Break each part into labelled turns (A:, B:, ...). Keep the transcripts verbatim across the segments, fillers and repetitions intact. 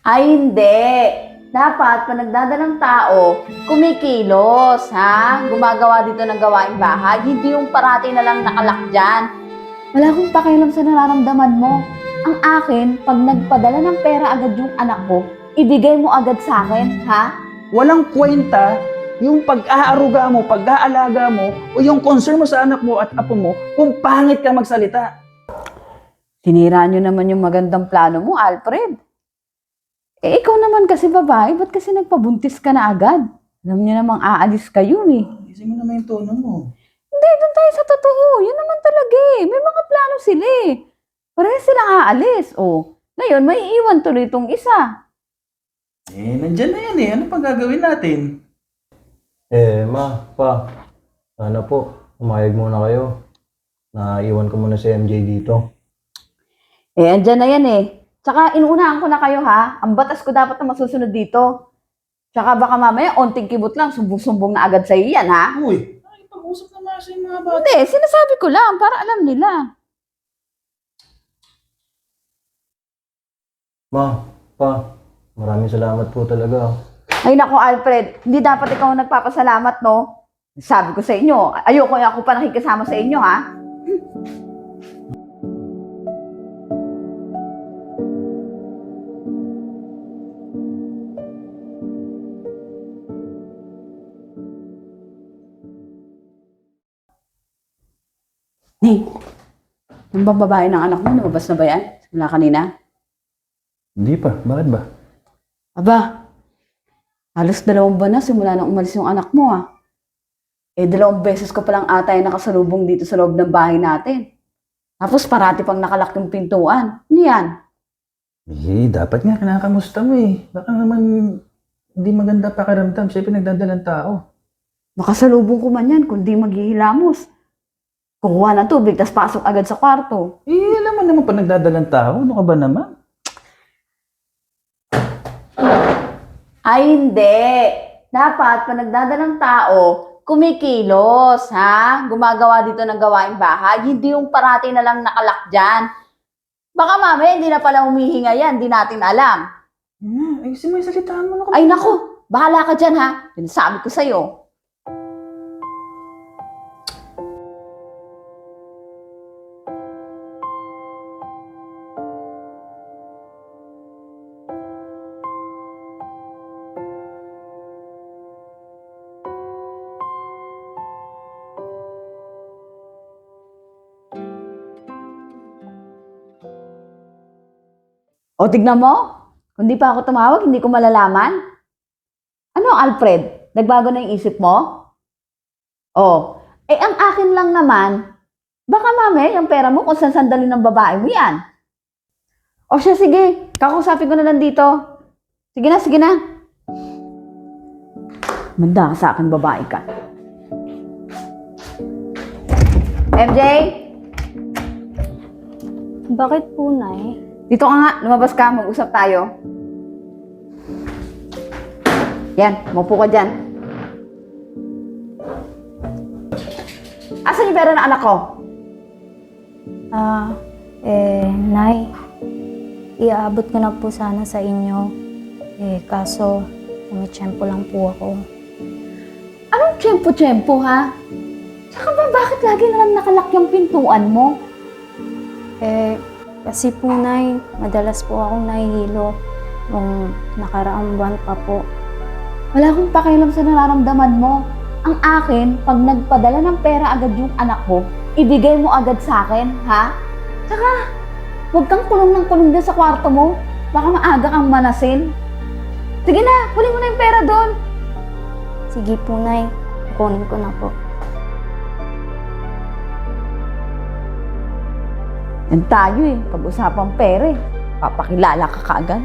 A: Ay, hindi. Dapat, pag nagdadalang tao, kumikilos, ha? Gumagawa dito ng gawaing bahay. Hindi yung parati na lang nakalak dyan. Wala akong pakialam sa nararamdaman mo. Ang akin, pag nagpadala ng pera agad yung anak ko, ibigay mo agad sa akin, ha?
B: Walang kwenta yung pag-aaruga mo, pag-aalaga mo, o yung concern mo sa anak mo at apo mo kung pangit ka magsalita.
A: Tinira nyo naman yung magandang plano mo, Alfred. Eh, ikaw naman kasi babae, ba't kasi nagpabuntis ka na agad? Alam nyo namang aalis kayo eh.
B: Kasi mo naman yung tono mo.
A: Hindi, doon tayo sa totoo. Yun naman talaga eh. May mga plano sila eh. Parehas silang aalis. O, ngayon, may iwan tuloy itong isa.
B: Eh, nandyan na yan eh. Ano pang gagawin natin?
C: Eh, ma, pa, sana po, umayag muna kayo. Naiwan ko muna si M J dito.
A: Eh, andyan na yan eh. Tsaka, inuunahan ko na kayo ha. Ang batas ko dapat na masusunod dito. Tsaka baka mamaya, onting kibot lang, sumbong-sumbong na agad sa'yo yan ha.
B: Uy, nakipag-usap naman sa mga bata.
A: Hindi, sinasabi ko lang para alam nila.
C: Ma, pa, maraming salamat po talaga.
A: Ay nako, Alfred, hindi dapat ikaw ang nagpapasalamat, no? Sabi ko sa inyo, ayoko ako pa nakikisama sa inyo, ha? Hey, yung bang babae ng anak mo, lumabas na ba yan? Simula kanina?
C: Hindi pa, bakit ba?
A: Aba, halos dalawang buwan na simula nang umalis yung anak mo, ah. Eh, dalawang beses ko palang ata yung nakasalubong dito sa loob ng bahay natin. Tapos parati pang nakalak yung pintuan. Ano yan?
B: Eh, dapat nga kinakamusta mo eh. Baka naman hindi maganda pakiramdam. Siyempre nagdadalang tao.
A: Makasalubong ko man yan, kundi maghihilamos. Kukuha ng tubig, tas pasok agad sa kwarto.
B: Eh, alam mo naman pa nagdadalang tao. Ano ka ba naman?
A: Ay, hindi. Dapat, pag nagdadalang tao, kumikilos, ha? Gumagawa dito ng gawaing bahay. Hindi yung parati na lang nakalak dyan. Baka mamaya, hindi na pala humihinga yan. Hindi natin alam.
B: Hmm, ayusin mo yung salitaan mo. Ano ka
A: Ay, naku. Bahala ka dyan, ha? Sinasabi ko sa'yo. O, tignan mo. Kung di pa ako tumawag, hindi ko malalaman. Ano, Alfred? Nagbago na yung isip mo? O, eh ang akin lang naman, baka mamaya yung pera mo kung saan sandali ng babae mo yan. O siya, sige. Kakusapin ko na lang dito. Sige na, sige na. Manda ka sa akin, babae ka. M J?
D: Bakit po, Nay?
A: Dito ka nga, lumabas ka, mag-usap tayo. Yan, maupo ka dyan. Asan yung pera ng anak ko?
D: Ah, eh, Nay, iaabot ko na po sana sa inyo. Eh, kaso, may tiyempo lang po ako.
A: Anong tiyempo-tiyempo, ha? Tsaka ba, bakit lagi na lang nakalak yung pintuan mo?
D: Eh, kasi po, Nay, madalas po akong nahihilo nung nakaraang buwan pa po.
A: Wala akong pakialam sa nararamdaman mo. Ang akin, pag nagpadala ng pera agad yung anak ko, ibigay mo agad sa akin, ha? Tsaka, huwag kang kulong ng kulong din sa kwarto mo. Baka maaga kang manasin. Sige na, huli mo na yung pera doon.
D: Sige po, Nay, kukunin ko na po.
A: Yan tayo eh, pag-usapang pera eh. Papakilala ka kaagad.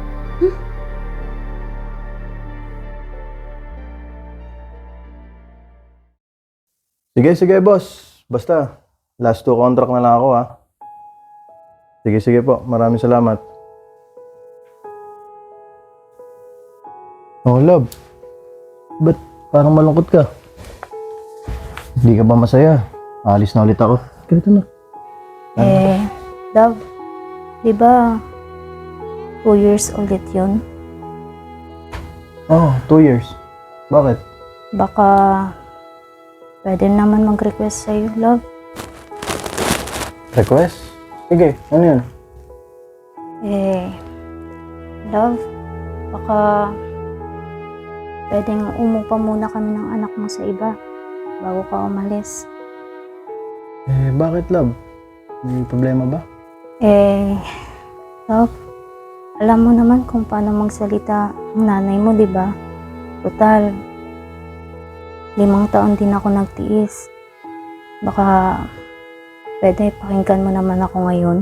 C: Sige, sige, boss. Basta, last two contract na lang ako, ha? Sige, sige po. Maraming salamat. Oh, love. Ba't parang malungkot ka? Hindi ka ba masaya? Alis na ulit ako. Ganito na.
D: Eh, love, di ba, two years ulit yun.
C: Oh, two years. Bakit?
D: Baka pwede naman mag-request sa'yo, love.
C: Request? Sige, ano yun?
D: Eh, love, baka pwedeng umupa muna kami ng anak mo sa iba bago ka umalis.
C: Eh, bakit, love? May problema ba?
D: Eh, love, alam mo naman kung paano magsalita ang nanay mo, di ba? Total, limang taon din ako nagtiis. Baka pwede pakinggan mo naman ako ngayon.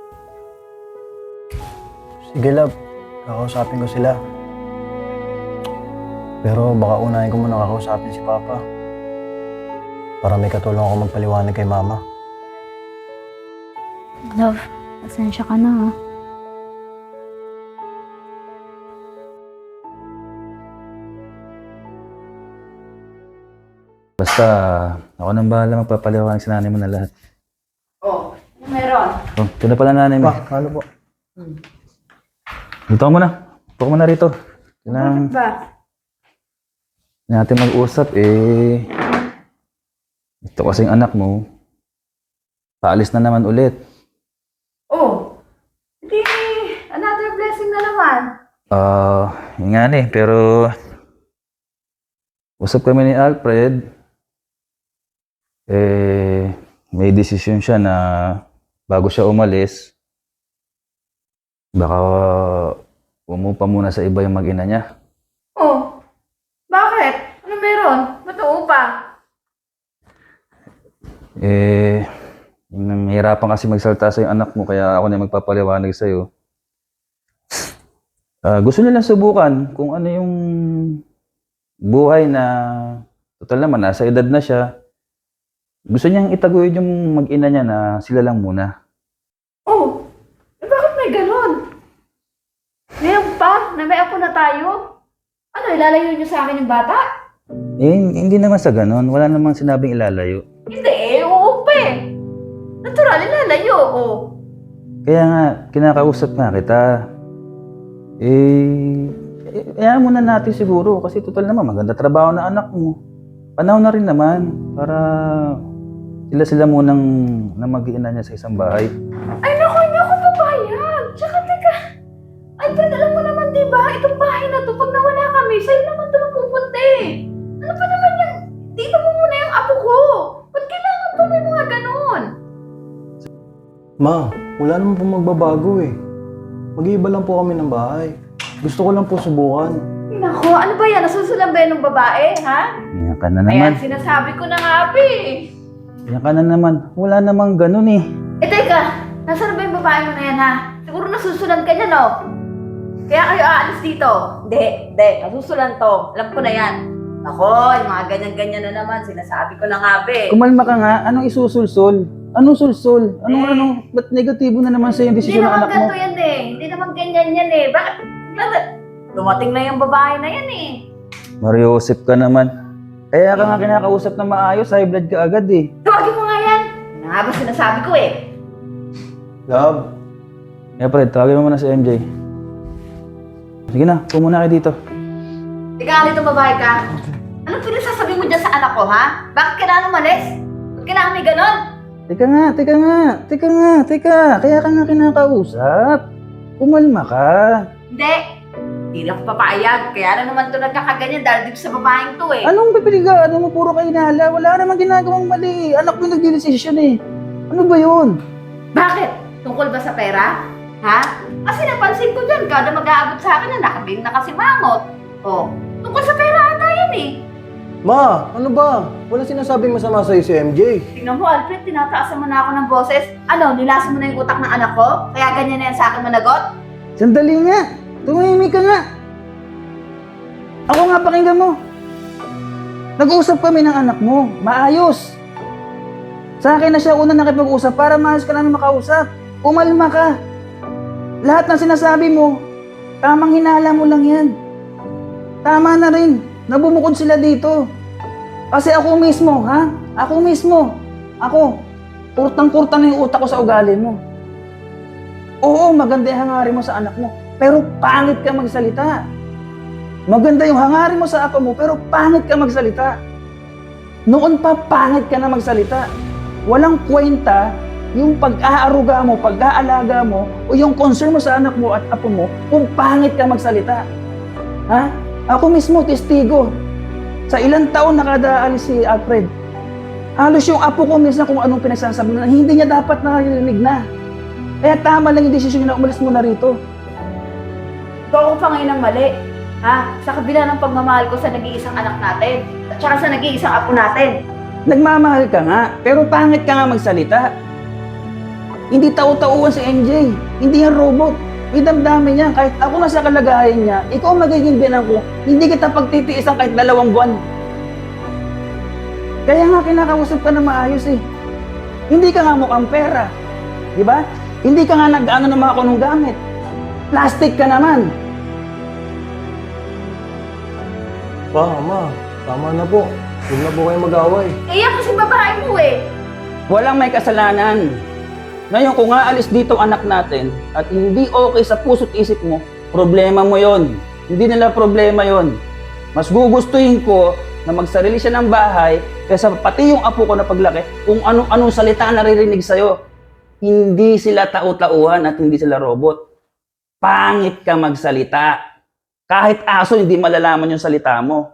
C: Sige, love. Kakausapin ko sila. Pero baka unahin ko muna kakausapin si Papa. Para may katulong ako magpaliwanag kay Mama.
D: Love, pasensya ka na, ah.
B: Basta, ako nang bahala magpapaliwanag sa nanay mo na lahat.
A: Oh, ano meron?
B: Oh, ito na pala nanay mo.
C: Pa, ano po?
B: Dito ka muna. Dito ka muna rito. Kailangan
A: Bakit ba?
B: natin mag-usap eh. Ito kasing anak mo, paalis na naman ulit.
A: Oh, hindi, another blessing na naman.
B: Ah, yun nga eh, pero usap kami ni Alfred, eh, may desisyon siya na bago siya umalis, baka umupa muna sa iba yung mag-ina niya.
A: Oh, bakit? Ano meron? Ba't uupa?
B: Eh, nahihirapan kasi magsalita sa yung anak mo, kaya ako na magpapaliwanag sa'yo. Ah, gusto nilang subukan kung ano yung buhay na, total naman, nasa edad na siya. Gusto niyang itaguyod yung mag-ina niya na sila lang muna.
A: Oh, eh bakit may ganun? Ngayon pa, na may apo na tayo? Ano, ilalayo niyo sa akin yung bata?
B: Eh, hindi naman sa ganun. Wala namang sinabing ilalayo.
A: Hindi, eh, oo pa eh. Natural, ilalayo, oh.
B: Kaya nga, kinakausap nga kita. Eh, eh, hayaan muna natin siguro kasi total naman, maganda trabaho na anak mo. Panahon na rin naman para sila-sila munang na mag-iina niya sa isang bahay.
A: Ay, naku, hindi ako papayag. Tsaka, teka. Alfred, alam mo naman, di ba? Itong bahay na to, pag nawala kami, sa'yo naman ito mapupunta eh. Ano pa naman yan? Dito mo muna yung apo ko. Ba't kailangan pa may mga ganun?
C: Ma, wala naman po magbabago eh. Mag-iiba lang po kami ng bahay. Gusto ko lang po subukan.
A: Naku, ano ba yan? Nasusulan ba yan ng babae, ha?
B: Yan ka na naman.
A: Ayan, sinasabi ko na nga, Abi.
B: Yan ka na naman. Wala namang ganun eh.
A: Eh, teka. Nasaan ba yung babae mo na yan, ha? Siguro nasusulan ka niya, no? Kaya kayo aalis dito. Hindi, hindi. Nasusulan to. Alam ko na yan. Ako, yung mga ganyan-ganyan na naman. Sinasabi ko na nga, Abi.
B: Kumalma ka nga. Anong isusulsol? Anong sulsol? Anong
A: Eh.
B: ano? Ba't negatibo na naman sa'yo yung
A: Hindi
B: desisyon ng
A: naman
B: anak mo?
A: ganito yan eh. Hindi naman ganyan yan eh. Bakit? Bakit? Dumating na yung babae na yan eh.
B: Mariosep ka naman. Kaya ka nga kinakausap na maayos, high blood ka agad eh.
A: Tawagin mo nga yan. Ano nga ba sinasabi ko eh?
C: Love,
B: Kaya Fred, tawagin mo muna si M J. Sige na, pumunta kayo dito.
A: Ikaw nga dito babae ka. Anong pinagsasabi mo dyan sa anak ko, ha? Bakit kailangan umalis? Bakit kailangan may ganon?
B: Teka nga, teka nga, teka nga, teka. Kaya ka nga kinakausap. Pumalma ka.
A: Hindi. Hindi na ako papayag. Kaya na naman ito nagkakaganyan dahil dito sa babaeng to eh.
B: Anong pipiliga? Ano mo puro kayo inala? Wala namang ginagawang mali. Anak mo yung nagdidesisyon eh. Ano ba yun?
A: Bakit? Tungkol ba sa pera? Ha? Kasi napansin ko dyan, kada mag-aabot sa akin na nakabing nakasimangot. O, tungkol sa pera ata yan eh.
C: ma, ano ba? Wala sinasabing masama sa'yo si M J.
A: Tingnan mo, Alfred, tinataasan mo na ako ng boses. Ano, nilasan mo na yung utak ng anak ko? Kaya ganyan na yan sa akin managot?
B: Sandali nga. Tumahimik ka nga. Ako nga, pakinggan mo. Nag-uusap kami ng anak mo. Maayos. Sa akin na siya una nakipag-usap para maayos ka namin makausap. Umalma ka. Lahat ng sinasabi mo, tamang hinala mo lang yan. Tama na rin. Nabumukod sila dito. Kasi ako mismo, ha? Ako mismo. Ako. Kurtang-kurtang na yung utak ko sa ugali mo. Oo, maganda yung hangarin mo sa anak mo. pero pangit ka magsalita. Maganda yung hangarin mo sa apo mo, pero pangit ka magsalita. Noon pa, pangit ka na magsalita. Walang kwenta yung pag-aaruga mo, pag-aalaga mo, o yung concern mo sa anak mo at apo mo, kung pangit ka magsalita. Ha? Ako mismo, testigo. Sa ilang taon nakadaalis si Alfred, halos yung apo ko minsan kung anong pinagsasabi na hindi niya dapat narinig na. Kaya tama lang yung desisyon niya na umalis muna rito.
A: Ito ako pa ngayon ang mali. Ha? Sa kabila ng pagmamahal ko sa nag-iisang anak natin at saka sa nag-iisang apo natin.
B: Nagmamahal ka nga, pero pangit ka nga magsalita. Hindi tao-tauan si M J. Hindi yan robot. May damdamin niya. Kahit ako na sa kalagayan niya, ikaw ang magiging binan ko, hindi kita pagtitiisan kahit dalawang buwan. Kaya nga kinakausap ka na maayos eh. Hindi ka nga mukhang pera. Di ba? Hindi ka nga nag-ano ng mga kunong gamit. Plastic ka naman.
C: Pa, ama, tama na po. Huwag na po kayo mag-away.
A: Eh, yan kasi babae mo eh.
B: Walang may kasalanan. Ngayon, kung aalis dito ang anak natin at hindi okay sa puso't isip mo, problema mo yon. Hindi nila problema yon. Mas gugustuhin ko na magsarili siya ng bahay kaysa pati yung apo ko na paglaki kung anong-anong salita na naririnig sa'yo. Hindi sila tao-tauhan at hindi sila robot. Pangit ka magsalita. Kahit aso, hindi malalaman yung salita mo.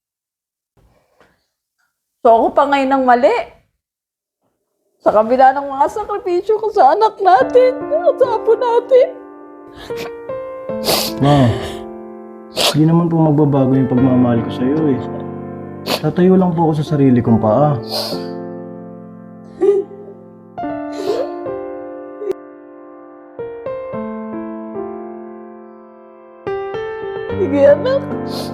E: So ako pa ngayon ang mali. Sa kabila ng mga sakripisyo ko sa anak natin at sa apo natin.
C: Ma, hindi naman po magbabago yung pagmamahal ko sa'yo eh. Tatayo lang po ako sa sarili kong paa.
E: Sige anak.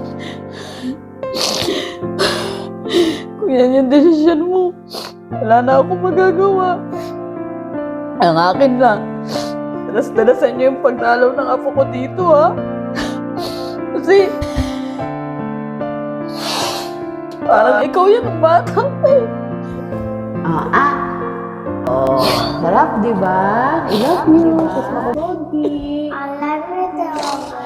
E: Kung yan yung desisyon mo, wala na akong magagawa. Ang akin lang, dalas-dalasan niyo yung pagdalaw ng apo ko dito, ha? Kasi, parang ikaw yan ang bata eh.
A: Ah, ah. Oh, sarap, di ba? I love you. Kiss mo ko, Pogi.
F: I love you too.